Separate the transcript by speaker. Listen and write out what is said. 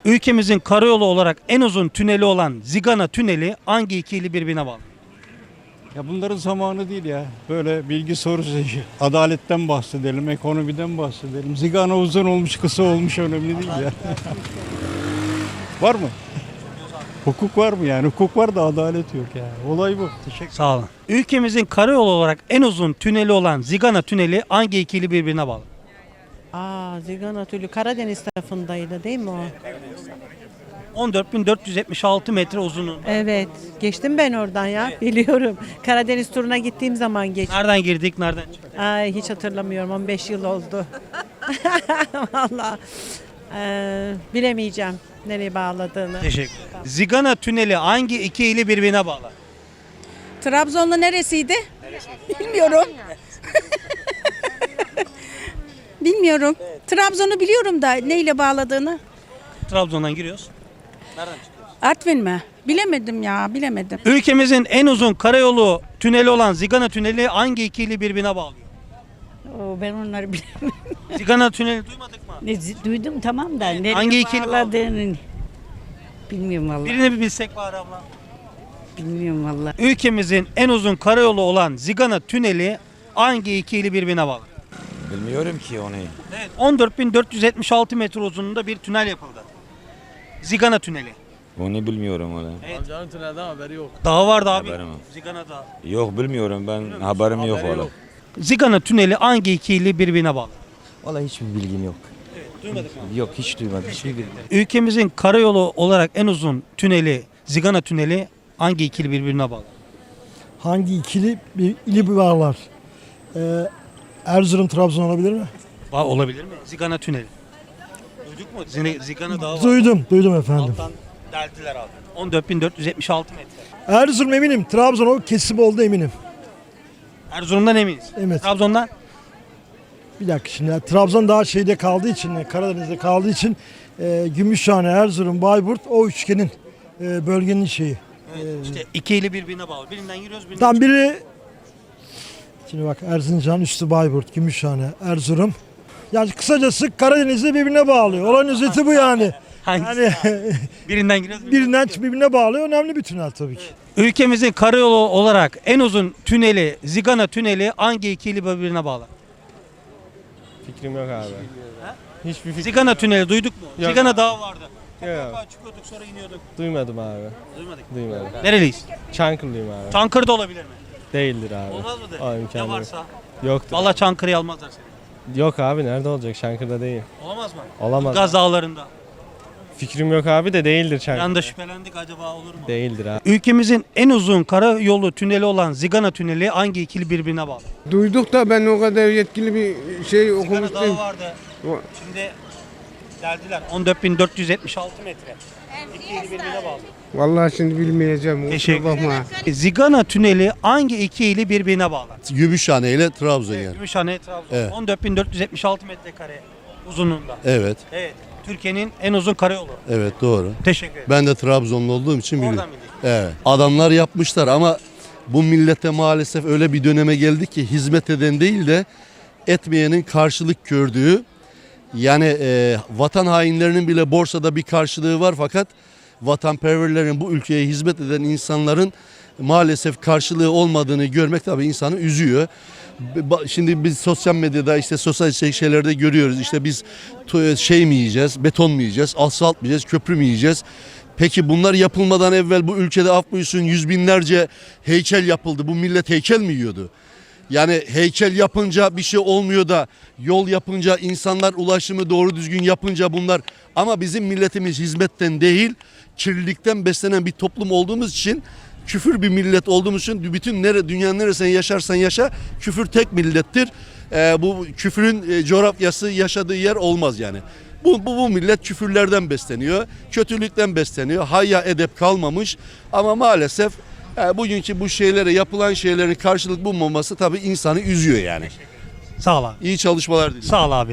Speaker 1: Ülkemizin karayolu olarak en uzun tüneli olan Zigana Tüneli hangi iki ili birbirine bağlı?
Speaker 2: Ya bunların zamanı değil ya. Böyle bilgi sorusu, adaletten bahsedelim, ekonomiden bahsedelim. Zigana uzun olmuş, kısa olmuş önemli değil ya. Var mı? Hukuk var mı yani? Hukuk var da adalet yok ya. Olay bu. Teşekkür.
Speaker 1: Sağ olun. Ülkemizin karayolu olarak en uzun tüneli olan Zigana Tüneli hangi iki ili birbirine bağlı?
Speaker 3: Zigana Tüneli Karadeniz tarafındaydı değil mi o?
Speaker 1: 14.476 metre uzunluğu.
Speaker 3: Evet. Geçtim ben oradan ya. Biliyorum. Karadeniz turuna gittiğim zaman geçtim.
Speaker 1: Nereden girdik, nereden çıktık?
Speaker 3: Hiç hatırlamıyorum. 15 yıl oldu. Vallahi. Bilemeyeceğim nereye bağladığını.
Speaker 1: Teşekkür ederim. Zigana Tüneli hangi iki ili birbirine bağlı?
Speaker 4: Trabzon'da neresiydi? Bilmiyorum. Bilmiyorum. Trabzon'u biliyorum da neyle bağladığını.
Speaker 1: Trabzon'dan giriyoruz. Nereden çıkıyoruz?
Speaker 4: Artvin mi? Bilemedim ya, bilemedim.
Speaker 1: Ülkemizin en uzun karayolu tüneli olan Zigana Tüneli hangi iki ili birbirine bağlıyor?
Speaker 5: Ben onları bilemem.
Speaker 1: Zigana Tüneli duymadık mı?
Speaker 5: Duydum tamam da nereye
Speaker 1: Hangi ikili
Speaker 5: bağladığını bilmiyorum vallahi.
Speaker 1: Birini bir bilsek bari abla.
Speaker 5: Bilmiyorum vallahi.
Speaker 1: Ülkemizin en uzun karayolu olan Zigana Tüneli hangi iki ili birbirine bağlı?
Speaker 6: Bilmiyorum ki onu.
Speaker 1: Evet, 14.476 metre uzunluğunda bir tünel yapıldı. Zigana Tüneli.
Speaker 6: Onu bilmiyorum onu.
Speaker 7: Amcanın tünelden haberi yok.
Speaker 1: Dağı vardı abi.
Speaker 6: Haberim yok.
Speaker 1: Zigana Dağı.
Speaker 6: Yok bilmiyorum ben haberim yok
Speaker 7: Haberi
Speaker 6: valla.
Speaker 7: yok.
Speaker 1: Zigana Tüneli hangi iki ili birbirine bağlı?
Speaker 8: Vallahi hiçbir bilgim yok.
Speaker 1: Duymadık mı?
Speaker 8: Yok hiç duymadım. Hiçbir bilgim.
Speaker 1: Ülkemizin karayolu olarak en uzun tüneli Zigana Tüneli hangi iki ili birbirine bağlı?
Speaker 9: Hangi ikili bir ili bağlar? Erzurum Trabzon olabilir mi?
Speaker 1: Olabilir mi? Zigana Tüneli. Duyduk mu? Zigana Dağı var.
Speaker 9: Duydum efendim.
Speaker 1: Alttan deldiler abi. 14.476 metre.
Speaker 9: Erzurum eminim. Trabzon o kesim oldu eminim.
Speaker 1: Erzurum'dan eminiz.
Speaker 9: Evet.
Speaker 1: Trabzon'dan?
Speaker 9: Bir dakika şimdi. Trabzon daha şeyde kaldığı için, Karadeniz'de kaldığı için Gümüşhane, Erzurum, Bayburt o üçgenin bölgenin şeyi.
Speaker 1: İşte iki ili birbirine bağlı. Birinden giriyoruz, birinden
Speaker 9: Tam biri şimdi bak Erzincan, üstü Bayburt, Gümüşhane, Erzurum. Yani kısacası Karadeniz'de birbirine bağlıyor. Olan özeti bu yani.
Speaker 1: Hangisi?
Speaker 9: Yani
Speaker 1: Birinden giriyoruz.
Speaker 9: birinden birbirine bağlıyor. Önemli bir tünel tabii ki.
Speaker 1: Ülkemizin karayolu olarak en uzun tüneli Zigana Tüneli hangi iki ili birbirine bağlı?
Speaker 7: Fikrim yok abi. Hiçbir fikrim
Speaker 1: Zigana Tüneli duyduk mu?
Speaker 7: Yok.
Speaker 1: Zigana Dağı vardı.
Speaker 7: yok.
Speaker 1: Mutlaka çıkıyorduk sonra iniyorduk.
Speaker 7: Duymadım abi.
Speaker 1: Duymadık.
Speaker 7: Duymadım.
Speaker 1: Nereliyiz?
Speaker 7: Çankırılıyım abi.
Speaker 1: Çankırı'da olabilir mi?
Speaker 7: Değildir abi.
Speaker 1: Olmaz mıdır?
Speaker 7: Aa,
Speaker 1: Ne
Speaker 7: imkanı yok.
Speaker 1: varsa.
Speaker 7: Yoktur.
Speaker 1: Vallahi Çankırı'yı almazlar seni.
Speaker 7: Yok abi nerede olacak? Çankırı'da değil.
Speaker 1: Olamaz mı?
Speaker 7: Olamaz.
Speaker 1: Gaz dağlarında.
Speaker 7: Fikrim yok abi de değildir Çankırı.
Speaker 1: Yanında şüphelendik acaba olur mu?
Speaker 7: Değildir abi.
Speaker 1: Ülkemizin en uzun karayolu tüneli olan Zigana Tüneli hangi ikili birbirine bağlı?
Speaker 10: Duyduk da ben o kadar yetkili bir şey
Speaker 1: Zigana
Speaker 10: okumuştum.
Speaker 1: Dağı vardı. Şimdi deldiler. 14.476 metre. İki ili birbirine bağlı.
Speaker 10: Vallahi şimdi bilmeyeceğim. kusura
Speaker 1: Teşekkür
Speaker 10: bakma.
Speaker 1: Zigana Tüneli hangi iki ili birbirine bağlar?
Speaker 11: Gümüşhane ile Trabzon yani.
Speaker 1: Gümüşhane, Trabzon.
Speaker 11: Evet.
Speaker 1: 14.476 metrekare uzunluğunda.
Speaker 11: Evet,
Speaker 1: Evet. Türkiye'nin en uzun karayolu.
Speaker 11: evet doğru.
Speaker 1: Teşekkür ederim.
Speaker 11: Ben de Trabzonlu olduğum için biliyorum.
Speaker 1: Oradan bildik.
Speaker 11: Evet. Adamlar yapmışlar ama bu millete maalesef öyle bir döneme geldi ki hizmet eden değil de etmeyenin karşılık gördüğü, yani vatan hainlerinin bile borsada bir karşılığı var fakat vatanperverlerin, bu ülkeye hizmet eden insanların maalesef karşılığı olmadığını görmek tabii insanı üzüyor. Şimdi biz sosyal medyada, işte sosyal şeylerde görüyoruz. İşte biz şey mi yiyeceğiz, beton mu yiyeceğiz, asfalt mı yiyeceğiz, köprü mü yiyeceğiz? Peki bunlar yapılmadan evvel bu ülkede af buyursun yüz binlerce heykel yapıldı. Bu millet heykel mi yiyordu? Yani heykel yapınca bir şey olmuyor da yol yapınca, insanlar ulaşımı doğru düzgün yapınca bunlar, ama bizim milletimiz hizmetten değil kirlilikten beslenen bir toplum olduğumuz için, küfür bir millet olduğumuz için bütün dünyanın neresinde yaşarsan yaşa küfür tek millettir. Bu küfürün coğrafyası yaşadığı yer olmaz yani. Bu millet küfürlerden besleniyor, kötülükten besleniyor, hayya edep kalmamış ama maalesef bugünkü bu şeylere, yapılan şeylerin karşılık bulmaması tabii insanı üzüyor yani.
Speaker 1: Sağ ol abi.
Speaker 11: İyi çalışmalar diliyorum.
Speaker 1: Sağ ol abi.